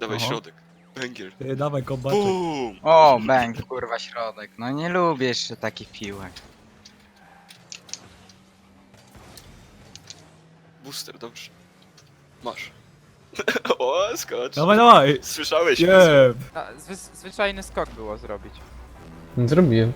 Dawaj Aha. środek. Węgiel. Dawaj kombaty. Bum! O, bęk, kurwa, środek. No nie lubię jeszcze takich piłek. Booster, dobrze. Masz. O, skocz. Dawaj, dawaj! Słyszałeś? Nie! Zwyczajny skok było zrobić. Zrobiłem.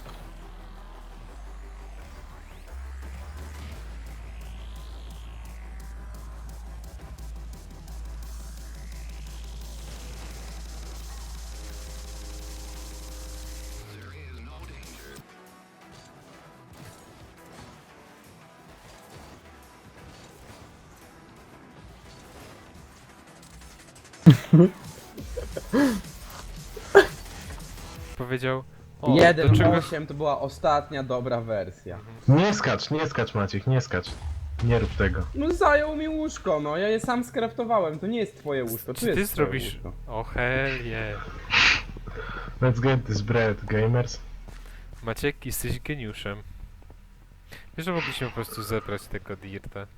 Powiedział... O, do 1.8 to była ostatnia dobra wersja. Nie skacz Maciek, nie skacz. Nie rób tego. No zajął mi łóżko, no ja je sam skraftowałem, to nie jest twoje łóżko, to Czy ty jest twoje zrobisz... łóżko. O hell yeah. Let's get this bread, gamers. Maciek, jesteś geniuszem. Wiesz, że mogliśmy po prostu zebrać tego dirta.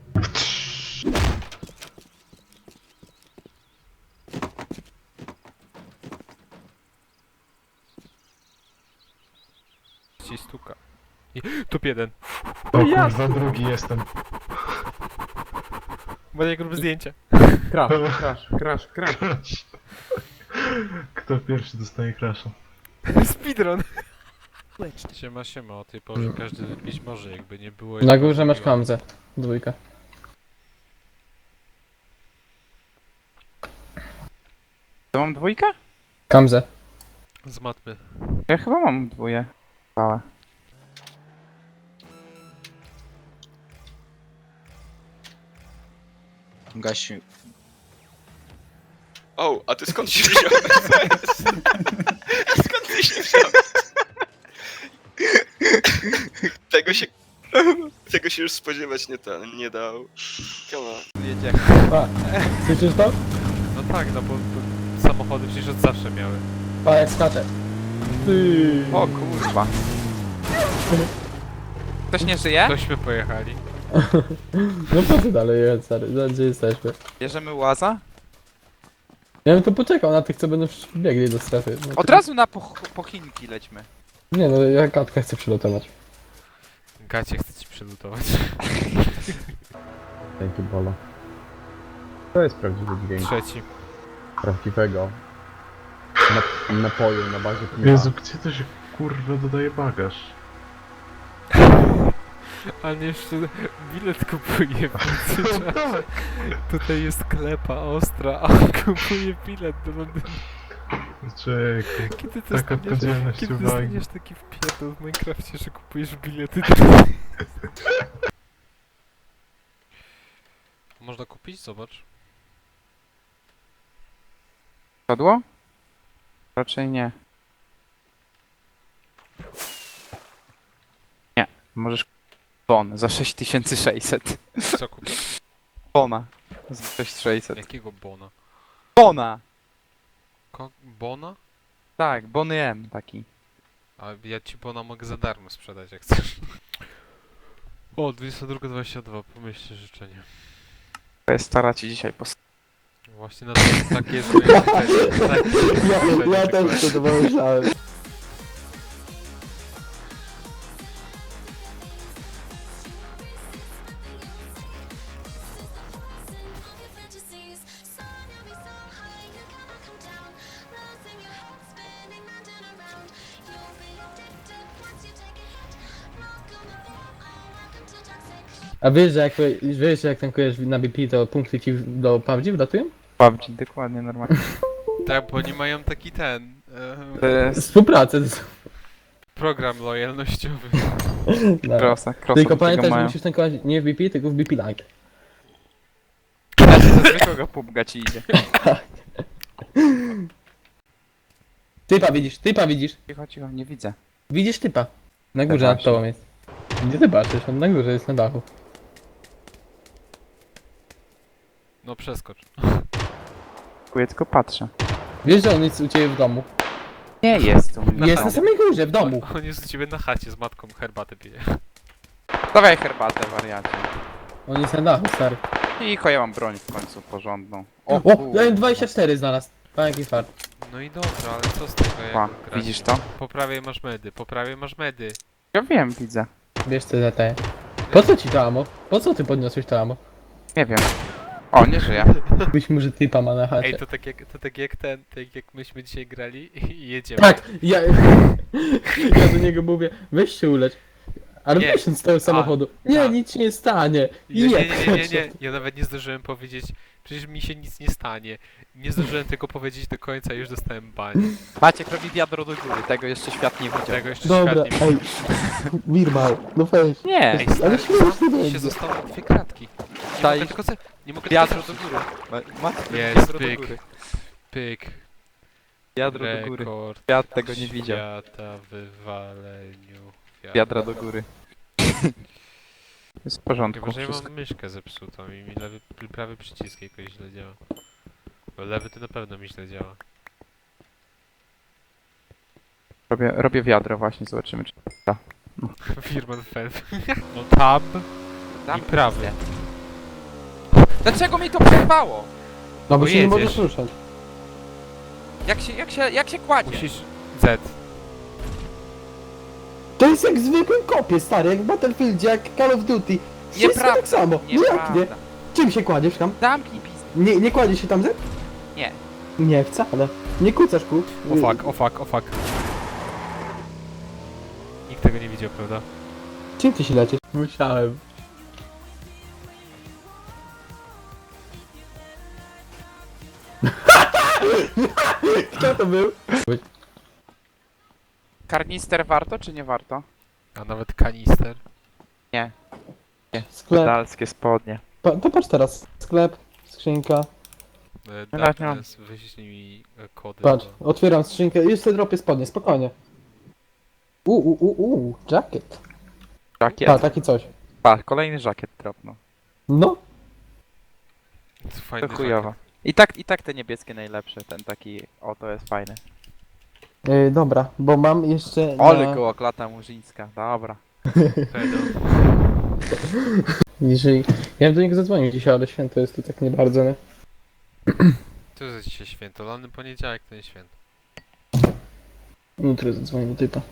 Ci stuka. I... Top 1. O kurwa, drugi jestem. Maciek, rób zdjęcia. Crash. Kto pierwszy dostaje crasha? Speedrun. Siema, o tej porze każdy wypić może, jakby nie było... Na górze masz Hamzę. Dwójka. To mam dwójkę? Kamzę. Z matmy. Ja chyba mam dwóje. Małe. Gasiu. O, a ty skąd się wziąłeś? Skąd ty się wziąłeś? Tego się... Tego się już spodziewać nie dał. Come on. Jedzie. Słyszysz to? No tak, no bo samochody przecież od zawsze miały. Pa, jak skacze. Ty. O kurwa. Ktoś nie żyje? Tośmy pojechali. No po co dalej jechać, stary? Gdzie jesteśmy? Bierzemy łaza? Ja bym to poczekał na tych, co będą biegli do strefy. No, Od razu na pochinki lećmy. Nie no, ja Katka chcę przylotować. Gacie chce ci przelutować. Dzięki Bolo. To jest prawdziwy dźwięk Trzeci. prawdziwego napoju na bazie piwa. Jezu, gdzie to się kurwa dodaje bagaż? Ale jeszcze bilet kupuje w międzyczasie. Tutaj jest klepa ostra, a on kupuje bilet do Londynu. Czekaj, Kiedy ty taka podzielność kiedy uwagi. dostaniesz taki wpierdol w Minecrafcie, że kupujesz bilety do... Można kupić? Zobacz. Padło? Raczej nie. Nie, możesz bon za 6600. Co kupić? Bona za 6600. Jakiego bona? Bona! Bona? Tak, Bony M taki. A ja ci bona mogę za darmo sprzedać, jak chcesz. O, 22:22, pomyślcie życzenie. To jest stara ci dzisiaj Właśnie na to, takie jest moje życzenie. Takie jest moje życzenie, Ja też dokładnie. to pomyślałem. A wiesz, że jak tankujesz na BP, to punkty ci do PUBG wlatują? PUBG, dokładnie, normalnie. Tak, bo oni mają taki ten... To jest Współpracę. program lojalnościowy. No. crossa Tylko do pamiętaj, tego że mają. musisz tankować nie w BP, tylko w BP Lite. Do zwykłego pubga ci idzie. Typa widzisz. Cicho, nie widzę. Widzisz typa. Na górze Tak nad tobą jest. Gdzie ty patrzysz? On na górze jest na dachu. No przeskocz. Ja tylko patrzę. Wiesz, że on jest u ciebie w domu. Nie jest tu. Jest na samej górze, w domu. On jest u ciebie na chacie z matką, herbatę pije. Dawaj herbatę, wariacie. On jest na dachu, stary. I ja mam broń w końcu porządną. O, kurwa. ja 24 znalazł. Pan jaki fart. No i dobra, ale co z tego Pa, jak grasz? widzisz to? Po prawej masz medy, po prawej masz medy. Ja wiem, widzę. Wiesz co za te. Po co ci to amo? Po co ty podniosłeś to amo? Nie wiem. O, nie żyję. Być może typa ma na chacie. Ej, to tak jak tak jak myśmy dzisiaj grali i jedziemy. Tak, ja do niego mówię, weź się ulecz. Ale Nie. wysiądź z tego samochodu. Nie, tak. nic ci nie stanie. Nie, ja nawet nie zdążyłem powiedzieć, przecież mi się nic nie stanie. Nie zdążyłem tego powiedzieć do końca, już dostałem banie. Maciek robi wiadro do góry, tego jeszcze świat nie widział. Tego jeszcze Dobra, świat nie ej. Wirmal, no weź. Nie, Ej, Ale stary, śmiesznie się będzie. zostały 2 kratki. Nie Daj. mogę tylko nie mogę Wiadro tylko do do góry. Maciek robi Jest, wiadro do pyk. góry. Pyk. Wiadro do góry. Rekord Świat tego nie widział. świata w wywaleniu Wiadra do góry. Jest w porządku. Chyba, że ja Wszystko. mam myszkę zepsutą i mi prawy przycisk jakoś źle działa. Bo lewy to na pewno mi źle działa. Robię wiadro właśnie, zobaczymy czy... Firman Fan. No tab i prawy. Dlaczego mi to przerwało? No bo Bo się nie jedziesz. możesz ruszać. Jak się kładzie? Musisz... Z. To jest jak w zwykłym kopie, stary, jak w Battlefieldzie, jak Call of Duty. Wszystko Nieprawda. tak samo. No jak nie? Nieprawda. Czym się kładziesz tam? Zamknij pizdę. Nie kładziesz się tam, Z? Nie. Nie, wcale. Nie kucasz kół. O fuck. Nikt tego nie widział, prawda? Czym ty się lecisz? Musiałem. Kto to był? Karnister warto czy nie warto? A nawet kanister. Sklep. Dalskie spodnie. To patrz teraz. Sklep, skrzynka. Darkness, wyślij mi kody. Patrz, otwieram skrzynkę. Już sobie dropię spodnie, spokojnie. Jacket. Żakiet. A, taki coś. Pa, kolejny żakiet dropnął. No. Fajny To chujowo. I tak te niebieskie najlepsze, ten taki, o to jest fajny. Dobra, bo mam jeszcze Ole koło klata murzyńska, dobra. Pedo. Jeżeli... Ja bym do niego zadzwonił dzisiaj, ale święto jest tu tak nie bardzo, nie? To jest dzisiaj święto, lany poniedziałek to nie święto. Jutro zadzwonię do typa.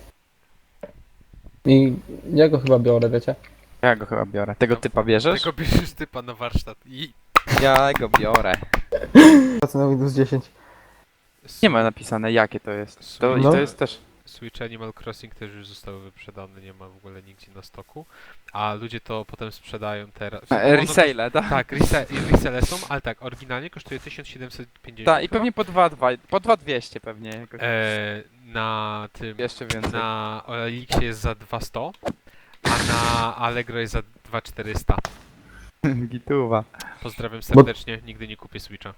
I ja go chyba biorę, wiecie? Ja go chyba biorę. Tego typa bierzesz? Tego bierzesz typa na warsztat i... Ja go biorę. Pracę na Windows 10. Nie ma napisane jakie to jest. To, I No. to jest też... Switch Animal Crossing też już zostały wyprzedane, nie ma w ogóle nigdzie na stoku. A ludzie to potem sprzedają teraz. Resale, tak? Tak, resale są, ale tak, oryginalnie kosztuje 1750. Tak, i pewnie po 2200 pewnie jakoś. Na tym... Jeszcze więcej. Na Elixie jest za 200, a na Allegro jest za 2400. Gituwa. Pozdrawiam serdecznie, nigdy nie kupię Switcha.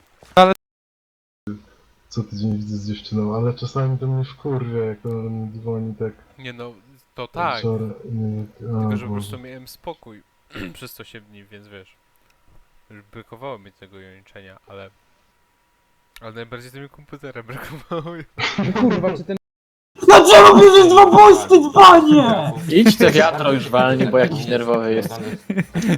Co tydzień widzę z dziewczyną, ale czasami to mnie wkurwia, jak on dzwoni tak Nie no, to tak, wieczorem. tylko że po prostu miałem spokój przez 8 dni, więc wiesz, już brakowało mi tego jęczenia, ale najbardziej to mi komputera brakowało. Kurwa, czy ten Dlaczego bierzesz 2 posty, dzwanie? Idź te wiatro już walni, bo jakiś nerwowy jest.